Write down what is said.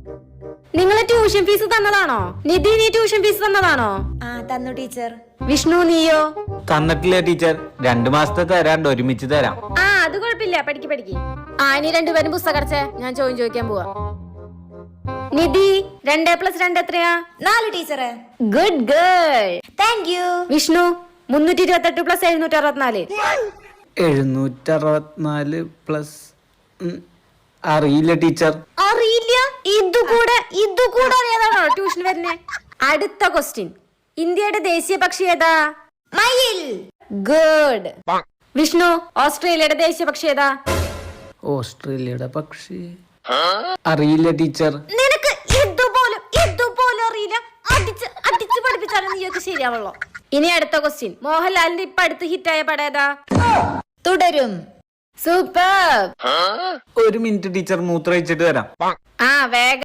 നിങ്ങളെ tuition fees തന്നതാണോ? നിധി, നീ tuition fees തന്നതാണോ? ആ തന്നു ടീച്ചർ. വിഷ്ണു, നീയോ? തന്നിട്ടില്ല ടീച്ചർ, 2 മാസത്തെ തരാണ്ട് ഒരുമിച്ച് തരാം. ആ അത് കുഴപ്പമില്ല, പഠിക്ക്. ആ ഇനി രണ്ടുപേരും പുസ്തകം അടച്ചേ, ഞാൻ ചോദിക്കാൻ പോവാ. നിധി, 2+2 എത്രയാ? 4 ടീച്ചറെ. Good girl. Thank you. Vishnu, 328 + 764. 764 plus അറിയില്ല ടീച്ചർ. അറിയില്ല? ഇതുകൂടെ അറിയാതാണോ ട്യൂഷൻ വരുന്നേ? അടുത്ത ക്വസ്റ്റ്യൻ. ഇന്ത്യയുടെ ദേശീയ പക്ഷി ഏതാ? മയിൽ. ഗുഡ്. വിഷ്ണു, ഓസ്ട്രേലിയയുടെ ദേശീയ പക്ഷി ഏതാ? ഓസ്ട്രേലിയയുടെ പക്ഷി അറിയില്ല ടീച്ചർ. നിനക്ക് ഇതുപോലും അറിയില്ല? അടിച്ച് പഠിപ്പിച്ചാലും നീയൊക്കെ ശരിയാവുള്ളൂ. ഇനി അടുത്ത ക്വസ്റ്റ്യൻ. മോഹൻലാലിന്റെ ഇപ്പൊ അടുത്ത് ഹിറ്റായ പടം ഏതാ? തുടരും. സൂപ്പർ. 1 മിനിറ്റ് ടീച്ചർ, മൂത്രമൊഴിച്ചിട്ട് വരാം. ആ വേഗം.